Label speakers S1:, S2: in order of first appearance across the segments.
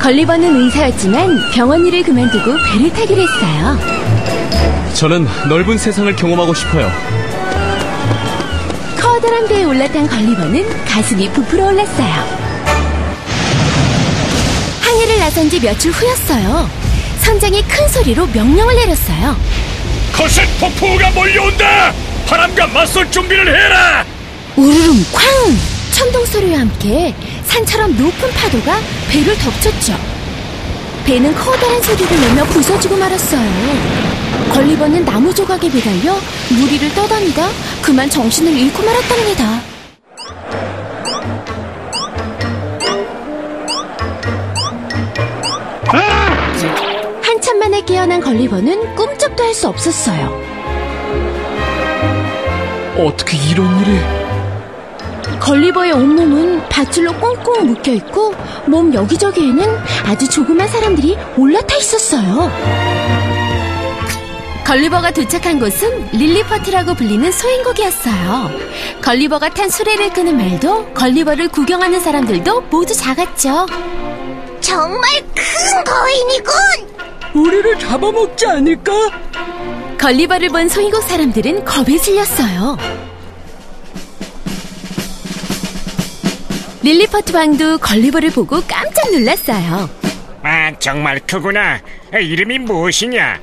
S1: 걸리버는 의사였지만 병원 일을 그만두고 배를 타기로 했어요.
S2: 저는 넓은 세상을 경험하고 싶어요.
S1: 커다란 배에 올라탄 걸리버는 가슴이 부풀어 올랐어요. 항해를 나선 지 며칠 후였어요. 선장이 큰 소리로 명령을 내렸어요.
S3: 거센 폭풍우가 몰려온다! 바람과 맞설 준비를 해라!
S1: 우르릉 쾅! 천둥 소리와 함께 산처럼 높은 파도가 배를 덮쳤죠. 배는 커다란 소리를 내며 부서지고 말았어요. 걸리버는 나무 조각에 매달려 무리를 떠다니다 그만 정신을 잃고 말았답니다. 한참 만에 깨어난 걸리버는 꿈쩍도 할 수 없었어요.
S2: 어떻게 이런 일이...
S1: 걸리버의 온몸은 밧줄로 꽁꽁 묶여있고 몸 여기저기에는 아주 조그만 사람들이 올라타 있었어요. 걸리버가 도착한 곳은 릴리퍼트라고 불리는 소행국이었어요. 걸리버가 탄 수레를 끄는 말도 걸리버를 구경하는 사람들도 모두 작았죠.
S4: 정말 큰 거인이군!
S5: 우리를 잡아먹지 않을까?
S1: 걸리버를 본 소행국 사람들은 겁에 질렸어요. 릴리퍼트 왕도 걸리버를 보고 깜짝 놀랐어요.
S3: 아, 정말 크구나. 이름이 무엇이냐?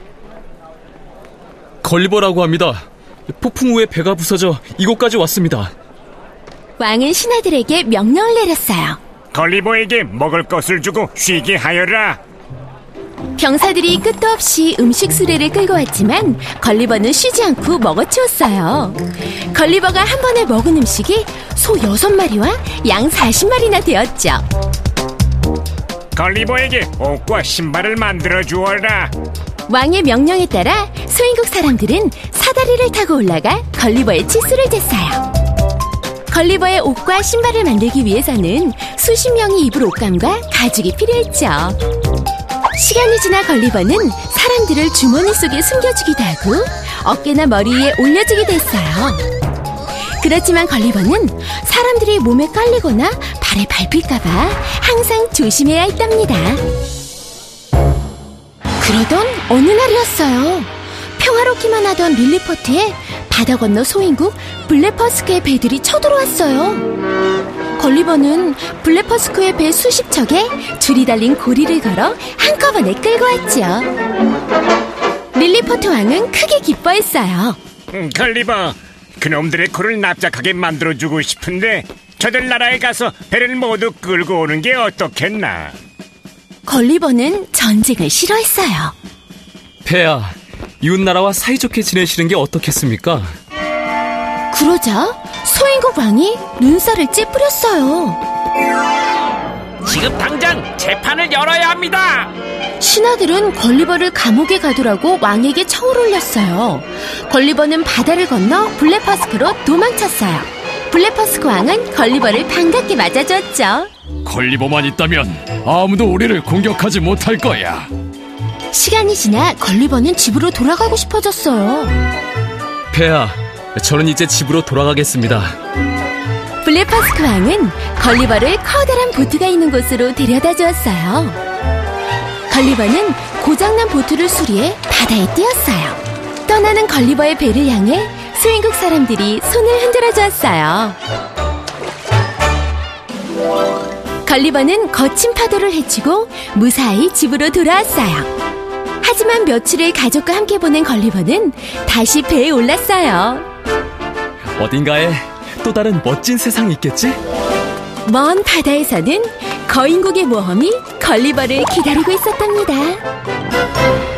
S2: 걸리버라고 합니다. 폭풍 후에 배가 부서져 이곳까지 왔습니다.
S1: 왕은 신하들에게 명령을 내렸어요.
S3: 걸리버에게 먹을 것을 주고 쉬게 하여라.
S1: 병사들이 끝도 없이 음식 수레를 끌고 왔지만 걸리버는 쉬지 않고 먹어치웠어요. 걸리버가 한 번에 먹은 음식이 소 6마리와 양 40마리나 되었죠.
S3: 걸리버에게 옷과 신발을 만들어 주어라.
S1: 왕의 명령에 따라 소행국 사람들은 사다리를 타고 올라가 걸리버의 치수를 쟀어요. 걸리버의 옷과 신발을 만들기 위해서는 수십 명이 입을 옷감과 가죽이 필요했죠. 시간이 지나 걸리버는 사람들을 주머니 속에 숨겨주기도 하고 어깨나 머리 위에 올려주기도 했어요. 그렇지만 걸리버는 사람들이 몸에 깔리거나 발에 밟힐까봐 항상 조심해야 했답니다. 그러던 어느 날이었어요. 평화롭기만 하던 릴리퍼트에 바다 건너 소행국 블레퍼스크의 배들이 쳐들어왔어요. 걸리버는 블레퍼스크의 배 수십 척에 줄이 달린 고리를 걸어 한꺼번에 끌고 왔죠. 릴리퍼트 왕은 크게 기뻐했어요.
S3: 걸리버, 그놈들의 코를 납작하게 만들어주고 싶은데 저들 나라에 가서 배를 모두 끌고 오는 게 어떻겠나?
S1: 걸리버는 전쟁을 싫어했어요.
S2: 폐하, 이웃나라와 사이좋게 지내시는 게 어떻겠습니까?
S1: 그러자 소행국 왕이 눈살을 찌푸렸어요.
S6: 지금 당장 재판을 열어야 합니다.
S1: 신하들은 걸리버를 감옥에 가두라고 왕에게 청을 올렸어요. 걸리버는 바다를 건너 블레퍼스크로 도망쳤어요. 블레퍼스크 왕은 걸리버를 반갑게 맞아줬죠.
S7: 걸리버만 있다면 아무도 우리를 공격하지 못할 거야.
S1: 시간이 지나 걸리버는 집으로 돌아가고 싶어졌어요.
S2: 폐하, 저는 이제 집으로 돌아가겠습니다.
S1: 블레퍼스크 왕은 걸리버를 커다란 보트가 있는 곳으로 데려다 주었어요. 걸리버는 고장난 보트를 수리해 바다에 띄었어요. 떠나는 걸리버의 배를 향해 소행국 사람들이 손을 흔들어 주었어요. 걸리버는 거친 파도를 헤치고 무사히 집으로 돌아왔어요. 하지만 며칠을 가족과 함께 보낸 걸리버는 다시 배에 올랐어요.
S2: 어딘가에 또 다른 멋진 세상이 있겠지?
S1: 먼 바다에서는 거인국의 모험이 걸리버를 기다리고 있었답니다.